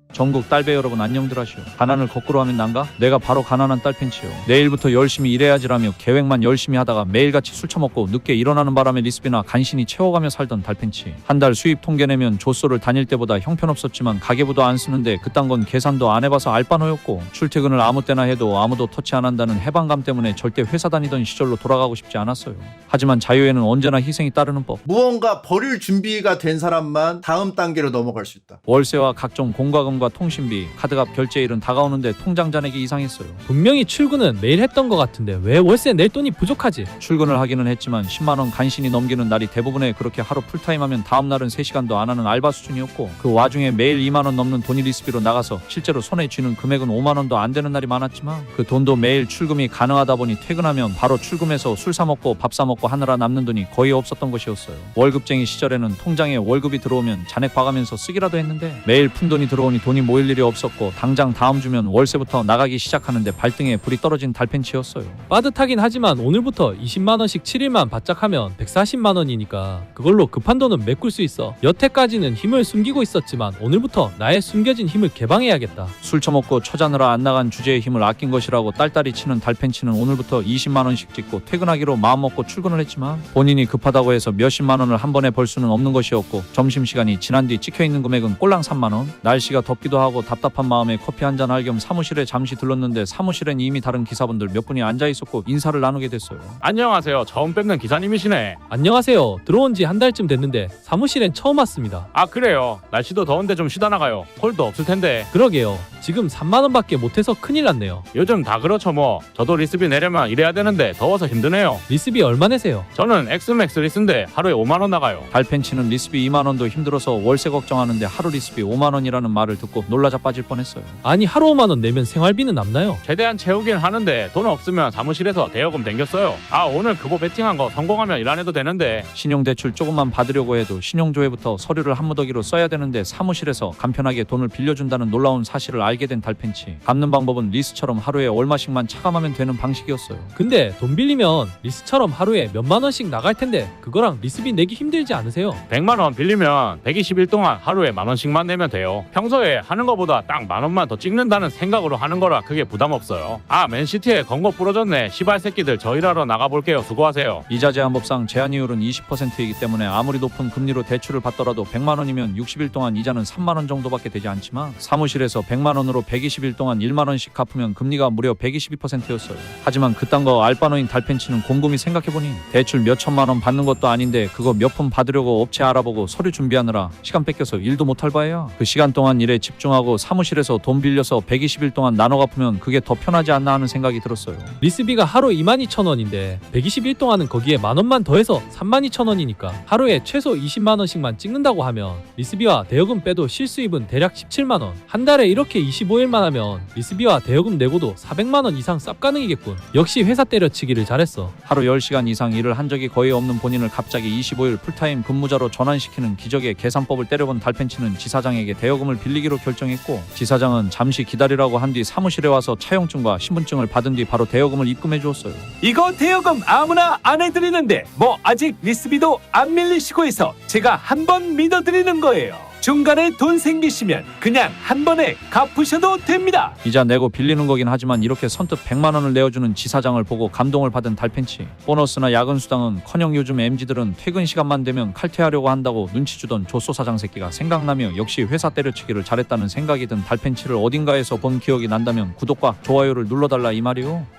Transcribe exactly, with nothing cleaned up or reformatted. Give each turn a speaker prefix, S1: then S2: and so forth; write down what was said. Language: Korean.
S1: 전국 딸배 여러분 안녕들 하시오. 가난을 거꾸로 하면 난가? 내가 바로 가난한 딸팬치요. 내일부터 열심히 일해야지라며 계획만 열심히 하다가 매일같이 술 처먹고 늦게 일어나는 바람에 리스비나 간신히 채워가며 살던 달팬치. 한 달 수입 통계 내면 조소를 다닐 때보다 형편없었지만 가계부도 안 쓰는데 그딴 건 계산도 안 해봐서 알바노였고, 출퇴근을 아무 때나 해도 아무도 터치 안 한다는 해방감 때문에 절대 회사 다니던 시절로 돌아가고 싶지 않았어요. 하지만 자유에는 언제나 희생이 따르는 법.
S2: 무언가 버릴 준비가 된 사람만 다음 단계로 넘어갈 수 있다.
S1: 월세와 각종 공과금과 통신비, 카드값 결제일은 다가오는데 통장 잔액이 이상했어요.
S3: 분명히 출근은 매일 했던 것 같은데 왜 월세 낼 돈이 부족하지?
S1: 출근을 하기는 했지만 십만 원 간신히 넘기는 날이 대부분에 그렇게 하루 풀타임하면 다음날은 세 시간도 안 하는 알바 수준이었고, 그 와중에 매일 이만 원 넘는 돈이 리스비로 나가서 실제로 손에 쥐는 금액은 오만 원도 안 되는 날이 많았지만, 그 돈도 매일 출금이 가능하다 보니 퇴근하면 바로 출금해서 술 사 먹고 밥 사 먹고 하느라 남는 돈이 거의 없었던 것이었어요. 월급쟁이 시절에는 통장에 월급이 들어오면 잔액 봐가면서 쓰기라도 했는데, 매일 푼돈이 들어오니 돈이 모일 일이 없었고 당장 다음 주면 월세부터 나가기 시작하는데 발등에 불이 떨어진 달팬치였어요.
S3: 빠듯하긴 하지만 오늘부터 이십만 원씩 칠 일만 바짝 하면 백사십만 원이니까 그걸로 급한 돈은 메꿀 수 있어. 여태까지는 힘을 숨기고 있었지만 오늘부터 나의 숨겨진 힘을 개방해야겠다.
S1: 술 처먹고 처자느라 안 나간 주제의 힘을 아낀 것이라고 딸딸이 치는 달팬치는 오늘부터 이십만 원씩 찍고 퇴근하기로 마음먹고 출근을 했지만, 본인이 급하다고 해서 몇십만 원을 한 번에 벌 수는 없는 것이었고, 점심시간이 지난 뒤 찍혀있는 금액은 꼴랑 삼만 원. 날씨가 덥기도 하고 답답한 마음에 커피 한잔 할 겸 사무실에 잠시 들렀는데 사무실엔 이미 다른 기사분들 몇 분이 앉아있었고 인사를 나누게 됐어요.
S4: 안녕하세요. 처음 뵙는 기사님이시네.
S3: 안녕하세요. 들어온 지 한 달쯤 됐는데 사무실엔 처음 왔습니다.
S4: 아 그래요. 날씨도 더운데 좀 쉬다 나가요. 콜도 없을 텐데.
S3: 그러게요. 지금 삼만 원밖에 못해서 큰일 났네요.
S4: 요즘 다 그렇죠 뭐. 저도 리스비 내려면 일해야 되는데 더워서 힘드네요.
S3: 리스비 얼마 내세요?
S4: 저는 엑스맥스 리스인데 하루에 오만 원 나가요.
S1: 달팬치는 리스비 이만 원도 힘들어서 월세 걱정하는데 하루 리스비 오만 원이라는 말을 듣고 놀라 자빠질 뻔했어요.
S3: 아니 하루 오만 원 내면 생활비는 남나요?
S4: 최대한 채우긴 하는데 돈 없으면 사무실에서 대여금 댕겼어요. 아 오늘 그거 베팅한 거 성공하면 일 안 해도 되는데.
S1: 신용대출 조금만 받으려고 해도 신용조회부터 서류를 한무더기로 써야 되는데 사무실에서 간편하게 돈을 빌려준다는 놀라운 사실을 알게 된 달팬치. 갚는 방법은 리스처럼 하루에 얼마씩만 차감하면 되는 방식이었어요.
S3: 근데 돈 빌리면 리스처럼 하루에 몇만 원씩 나갈 텐데 그거랑 리스비 내기 힘들지 않으세요?
S4: 백만 원 빌리면 백이십 일 동안 하루에 만 원씩만 내면 돼요. 평소에 하는 거보다 딱 만 원만 더 찍는다는 생각으로 하는 거라 크게 부담 없어요. 아 맨시티에 건거 부러졌네. 시발 새끼들 저 일하러 나가볼게요. 수고하세요.
S1: 이자 제한법상 제한이율은 이십 퍼센트이기 때문에 아무리 높은 금리로 대출을 받더라도 백만 원이면 육십 일 동안 이자는 삼만 원 정도밖에 되지 않지만, 사무실에서 백만 원으로 백이십 일 동안 일만 원씩 갚으면 금리가 무려 백이십이 퍼센트였어요. 하지만 그딴 거 알바노인 달팬치는 곰곰이 생각해보니 대출 몇 천만 원 받는 것도 아닌데 그거 몇 푼 받으려고 업체 알아보고 서류 준비하느라 시간 뺏겨서 일도 못할 바에야 그 시간 동안 일에 집중하고 사무실에서 돈 빌려서 백이십 일 동안 나눠 갚으면 그게 더 편하지 않나 하는 생각이 들었어요.
S3: 리스비가 하루 이만 이천 원인데 백이십 일 동안은 거기에 만 원만 더해서 삼만 이천 원이니까 하루에 최소 이십만 원씩만 찍는다고 하면 리스비와 대여금 빼도 실수입은 대략 십칠만 원. 한 달에 이렇게 이십오 일만 하면 리스비와 대여금 내고도 사백만 원 이상 쌉 가능이겠군. 역시 회사 때려치기를 잘했어.
S1: 하루 열 시간 이상 일을 한 적이 거의 없는 본인을 갑자기 이십오 일 풀타임 근무자로 전환시키는 기적의 계산법을 때려본 달팬치는 지사장에게 대여금을 빌리기로 결정했고, 지사장은 잠시 기다리라고 한 뒤 사무실에 와서 차용증과 신분증을 받은 뒤 바로 대여금을 입금해 주었어요.
S5: 이거 대여금 아무나 안 해드리는데 뭐 아직 리스비도 안 밀리시고 해서 제가 한 번 믿어드리는 거예요. 중간에 돈 생기시면 그냥 한 번에 갚으셔도 됩니다.
S1: 이자 내고 빌리는 거긴 하지만 이렇게 선뜻 백만 원을 내어주는 지사장을 보고 감동을 받은 달팬치. 보너스나 야근 수당은커녕 요즘 엠지들은 퇴근 시간만 되면 칼퇴하려고 한다고 눈치 주던 조소 사장 새끼가 생각나며 역시 회사 때려치기를 잘했다는 생각이 든 달팬치를 어딘가에서 본 기억이 난다면 구독과 좋아요를 눌러달라 이 말이요.